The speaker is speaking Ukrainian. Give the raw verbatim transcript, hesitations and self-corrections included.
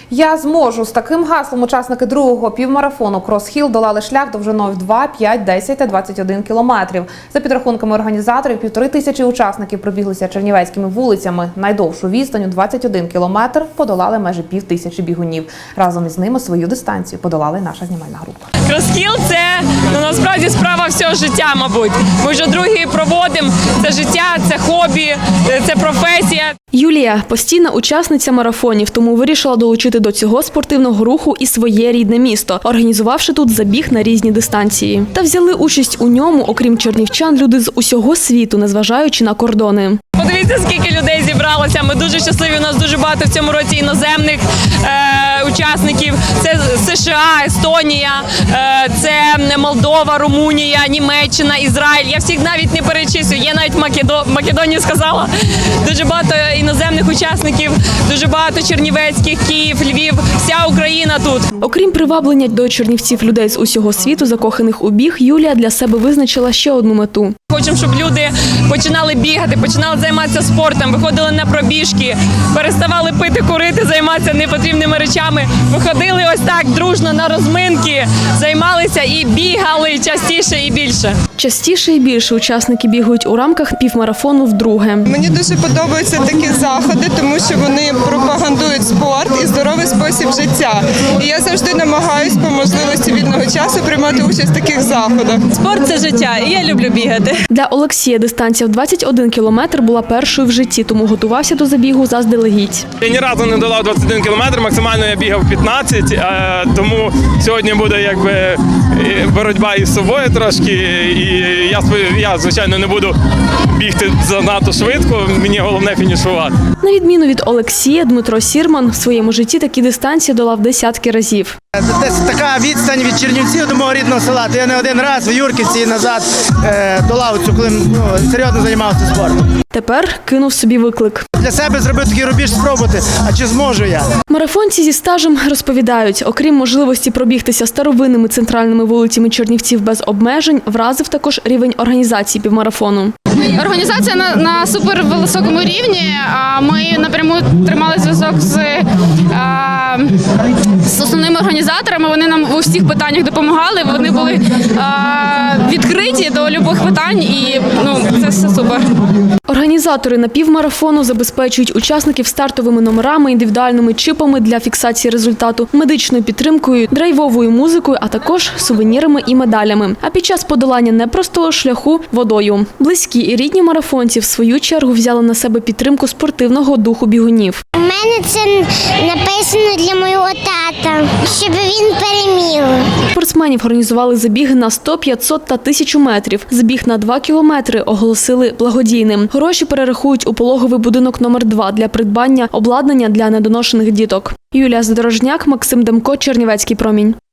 Я зможу. З таким гаслом учасники другого півмарафону Крос-Хіл долали шлях довжиною в два, п'ять, десять та двадцять один кілометрів. За підрахунками організаторів, півтори тисячі учасників пробіглися чернівецькими вулицями. Найдовшу відстань у двадцять один кілометр подолали майже пів тисячі бігунів. Разом із ними свою дистанцію подолала й наша знімальна група. Крос-Хіл – це ну, насправді справа всього життя, мабуть. Ми вже другий проводимо. Це життя, це хобі, це професія. Юлія – постійна учасниця марафонів, тому вирішила долучити до цього спортивного руху і своє рідне місто, організувавши тут забіг на різні дистанції. Та взяли участь у ньому, окрім чернівчан, люди з усього світу, незважаючи на кордони. Подивіться, скільки людей зібралося. Ми дуже щасливі, у нас дуже багато в цьому році іноземних е, учасників. Це США, Естонія, е, це Молдова, Румунія, Німеччина, Ізраїль. Я всіх навіть не перечислюю. Я навіть Македо... Македонію сказала. Дуже багато іноземних учасників, дуже багато чернівецьких, Київ, Львів. Вся Україна тут. Окрім приваблення до Чернівців людей з усього світу, закоханих у біг, Юлія для себе визначила ще одну мету. Хочемо, щоб люди починали бігати, починали займатися спортом, виходили на пробіжки, переставали пити, курити, займатися непотрібними речами. Виходили ось так дружно на розминки, займалися і бігали частіше і більше. Частіше і більше учасники бігають у рамках півмарафону вдруге. Мені дуже подобаються такі заходи, тому що вони пропагандують спорт і здоровий спосіб життя. І я завжди намагаюся по можливості вільного часу приймати участь в таких заходах. Спорт – це життя, і я люблю бігати. Для Олексія дистанція в двадцять один кілометр була першою в житті, тому готувався до забігу заздалегідь. Я ні разу не долав двадцять один кілометр, максимально я бігав п'ятнадцять, тому сьогодні буде якби боротьба із собою трошки. І я, я, звичайно, не буду бігти занадто швидко, мені головне фінішувати. На відміну від Олексія, Дмитро Сірман в своєму житті такі дистанції долав десятки разів. Десь така відстань від Чернівців до мого рідного села. То я не один раз в Юрківці і назад е, долав цю, коли ну, серйозно займався спортом. Тепер кинув собі виклик. Для себе зробив такий рубіж спробувати, а чи зможу я? Марафонці зі стажем розповідають, окрім можливості пробігтися старовинними центральними вулицями Чернівців без обмежень, вразив також рівень організації півмарафону. Організація на, на супервисокому рівні. Ми напряму тримали зв'язок з, з основними організаторами. Вони нам у всіх питаннях допомагали. Вони були відкриті до будь-яких питань, і ну, це все супер. Організатори напівмарафону забезпечують учасників стартовими номерами, індивідуальними чипами для фіксації результату, медичною підтримкою, драйвовою музикою, а також сувенірами і медалями. А під час подолання непростого шляху – водою. Близькі і рідні марафонці в свою чергу взяли на себе підтримку спортивного духу бігунів. У мене це написано для мого тата, щоб він переміг. Спортсменів організували забіги на сто, п'ятсот та тисячу метрів. Забіг на два кілометри оголосили благодійним. Гроші перерахують у пологовий будинок номер два для придбання обладнання для недоношених діток. Юлія Задорожняк, Максим Демко, Чернівецький промінь.